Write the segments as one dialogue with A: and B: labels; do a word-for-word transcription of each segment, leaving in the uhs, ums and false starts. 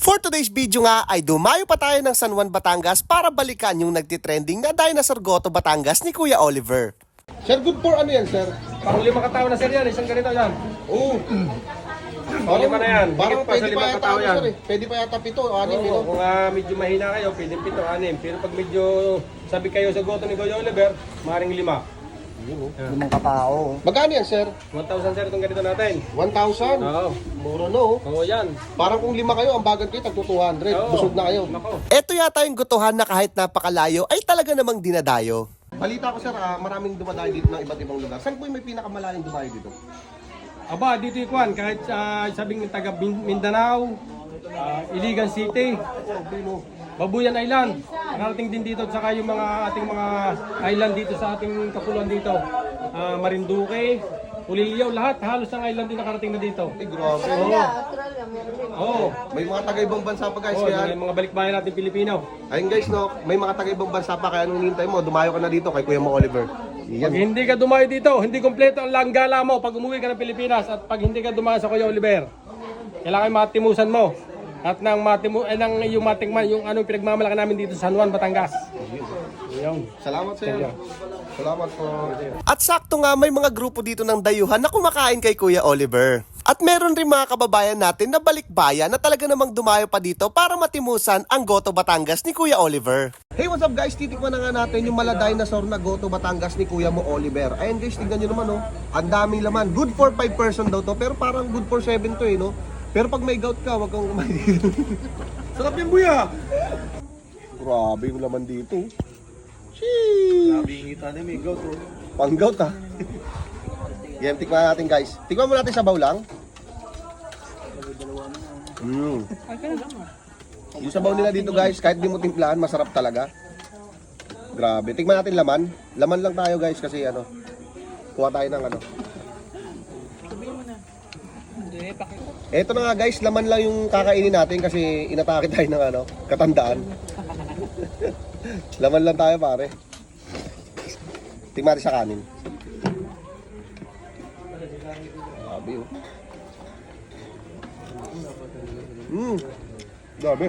A: For today's video nga ay dumayo pa tayo ng San Juan, Batangas para balikan yung nagtitrending na Dinosaur Goto Batangas ni Kuya Oliver.
B: Sir, good for ano yan, sir?
C: Pang lima katao na sir yan, isang ganito yan.
B: Oo.
C: Pang lima na yan,
B: Parang
C: higit pa sa
B: pwede pa
C: limang
B: yata
C: katao
B: ano,
C: yan.
B: sir eh. Pwede pa yata pito, anim,
C: Oo,
B: pito.
C: kung uh, medyo mahina kayo, pwede pito, anim. Pero pag medyo sabi kayo sa goto ni Kuya Oliver, maring lima.
D: Limang katao.
B: Magkano yan, sir?
C: one thousand sir itong ganito natin.
B: one thousand?
C: Oo.
B: Mura no.
C: Oo yan.
B: Parang kung lima kayo, ang bagat kayo, tagto two hundred.
C: Oo.
B: Busog na kayo.
C: Nako.
A: Ito yata yung gutuhan na kahit napakalayo ay talaga namang dinadayo.
B: Balita ko, sir, ah, maraming dumadayo dito ng iba't ibang lugar. Saan po yung may pinakamalayang dumayo dito?
C: Aba, dito yung kwan, kahit uh, sabing taga Min- Mindanao, uh, Iligan City, Babuyan Island, nakarating din dito, saka yung mga ating mga island dito sa ating kapuluan dito. Uh, Marinduque, Uliliaw, lahat, halos ang island din nakarating na dito.
B: Ay, grabe.
C: Oo. Oo.
B: May mga taga-ibang bansa pa, guys.
C: Oo,
B: Kaya,
C: yung mga balikbayan natin Pilipino.
B: ayun guys, no, may mga taga-ibang bansa pa. Kaya nung hinintay mo, dumayo ka na dito kay Kuya Mo Oliver.
C: Pag
B: Yan.
C: hindi ka dumayo dito, hindi kompleto ang langgala mo pag umuwi ka ng Pilipinas at pag hindi ka dumayo sa Kuya Oliver. Kailangan matimusan mo. At nang matimu eh, nang yung matikman yung ano pinagmamalaki namin dito sa San Juan, Batangas. Yun.
B: Salamat, sir. Salamat po.
A: At sakto nga may mga grupo dito ng dayuhan na kumakain kay Kuya Oliver. At meron rin mga kababayan natin na balikbayan na talaga namang dumayo pa dito para matimusan ang Goto Batangas ni Kuya Oliver.
B: Hey, what's up guys? Titikman na nga natin yung mala dinosaur na Goto Batangas ni Kuya Mo Oliver. Ayan guys, tingnan nyo naman, oh. Ang daming laman. Good for five person daw to, pero parang good for seven to eh, no? Pero pag may gout ka, wag kang kumain dito. Sarap yung buya! Grabe yung laman dito. Sheesh!
D: Grabe yung ngita na may gout. Oh.
B: Pang gout, ha? Yan, tikman natin guys. Tikman mo natin sa baw lang. Mm. Yung sabaw nila dito guys, kahit di mo timplahan, masarap talaga. Grabe. Tikman natin laman. Laman lang tayo guys kasi ano, kuha tayo ng ano. Eto na nga guys, laman lang yung kakainin natin kasi inatake tayo ng ano, katandaan. Laman lang tayo pare. Tikman natin sa kanin. Grabe yun. Mmm. Grabe.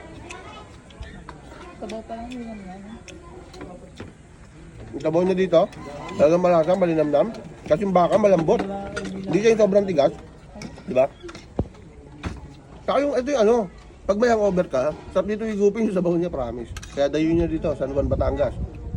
E: Sabaw pa lang yun yan.
B: Yung tabaw niya dito, talagang malasa, malinamnam. Kasi yung baka malambot. Hindi siya yung sobrang tigas. Diba? Saka yung, ito yung ano, pag may hangover ka, sarap dito higupin yung sabaw niya, promise. Kaya dayo niya dito, San Juan, Batangas.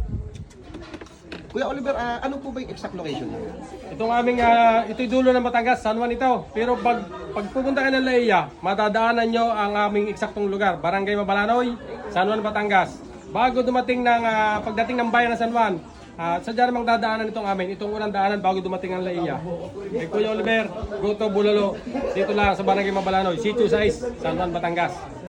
B: Kuya Oliver, ah, ano po ba yung exact location niya?
C: Itong aming uh, ito'y dulo ng Batangas, San Juan ito. Pero pag pag pupunta ka ng Laiya, matadaanan nyo ang aming eksaktong lugar, Barangay Mabalanoy, San Juan, Batangas. Bago dumating ng uh, pagdating ng bayan ng San Juan, uh, sadya namang dadaanan itong amin. Itong unang daanan bago dumating ang Laiya. Kay Kuya Oliver, Goto Bulalo, dito lang sa Barangay Mabalanoy, Sitio Sais, San Juan, Batangas.